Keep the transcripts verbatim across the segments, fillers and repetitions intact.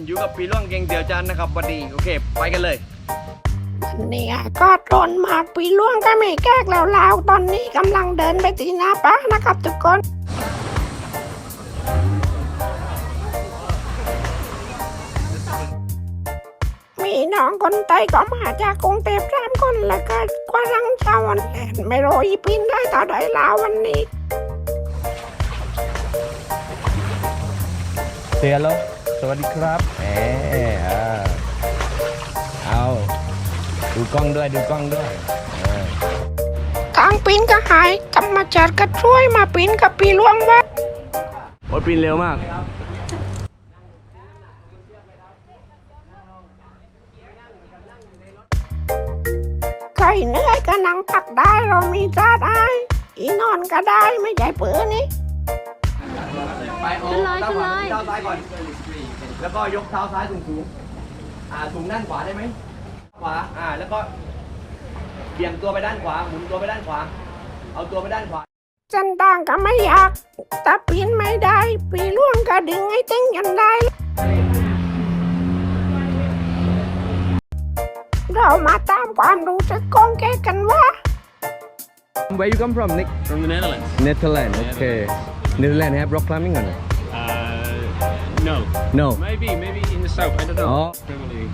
อยู่กับปีล่วงเก่งเตียวจันนะครับวันนี้โอเคไปกันเลยวันนี้ก็โดนมากปีล่วงก็ไม่แก้กแล้วลาวตอนนี้กำลังเดินไปที่หน้าปะนะครับทุกคนมีน้องคนไทยก็มาจากกรุงเทพสามคนแล้วก็กำลังเช้าวันแอนไม่รู้อีพินได้ต่อได้ลาววันนี้เสียแล้วสวัสดีครับแหมอ่าเอาดูกล้องด้วยดูกล้องด้วยทางปีนก็หายธรรมชาติก็ช่วยมาปีนกับปีล่วงว่าโอ้ปีนเร็วมากใครเหนื่อยก็นั่งพักได้เรามีจ้าได้อีนอนก็ได้ไม่ใช่เปื้อนี่ไปโอ้เท้าขวาเท้าซ้ายก่อนแล้วก็ยกเท้าซ้ายสูงสูงอ่าสูงด้านขวาได้ไหมขวาอ่าแล้วก็เบี่ยงตัวไปด้านขวาหมุนตัวไปด้านขวาเอาตัวไปด้านขวาจันด่างก็ไม่อยากแต่ปีนไม่ได้ปีล่วงก็ดึงให้ติ้งยันได้เรามาตามความรู้สึกของแกกันว่า Where you come from, Nick? From the Netherlands. Netherlands, okay. Netherlands have rock climbing on it? Uh, no. No. Maybe, maybe in the south. I don't know. Oh. Probably.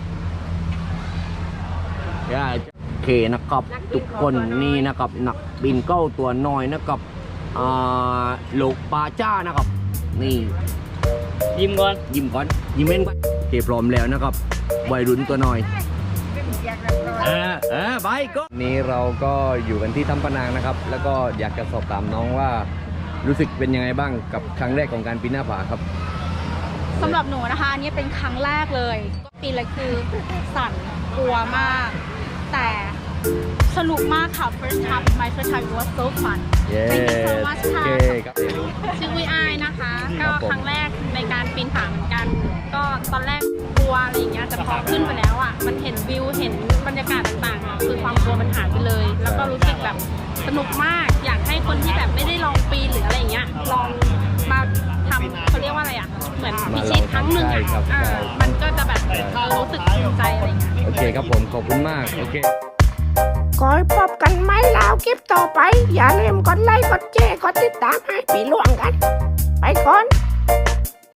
ย่าโอเคนะครับทุกคนนี่นะครับนักบินเก้าตัวน้อยนะครับอ่าโลกปาจ้านะครับนี่ยิ้มก่อนยิ้มก่อนยิ้มเล่นก่อนโอเคพร้อมแล้วนะครับวัยรุ่นตัวน้อยเออเออไปก็นี่เราก็อยู่กันที่ถ้ำปะนางนะครับแล้วก็อยากจะสอบถามน้องว่ารู้สึกเป็นยังไงบ้างกับครั้งแรกของการปีนหน้าผาครับสำหรับหนูนะคะอันนี้เป็นครั้งแรกเลยก็ปีนเลยคือสั่นกลัวมากแต่สนุกมากค่ะ first time my first time was so fun thank you so much ค่ะชื่อวิไอนะคะก็ครั้งแรกในการปีนผาเหมือนกันก็ตอนแรกกลัวอะไรอย่างเงี้ยแต่พอขึ้นไปแล้วอ่ะมันเห็นวิวเห็นบรรยากาศต่างๆคือความกลัวมันหายไปเลยแล้วก็รู้สึกแบบสนุกมากอยากให้คนที่แบบไม่ได้ลองปีนหรืออะไรอย่างเงี้ยลองมาทำเขาเรียกว่าอะไรอ่ะเหมือนพิชิตครั้งหนึ่งอ่ะมันก็จะแบบรู้สึกภูมิใจอะไรเงี้ยโอเคครับผมขอบคุณมากโอเคคอยพบกันไหมลาวคลิปต่อไปอย่าลืมกดไลค์กดแชร์กดติดตามให้ปีล่วงกัน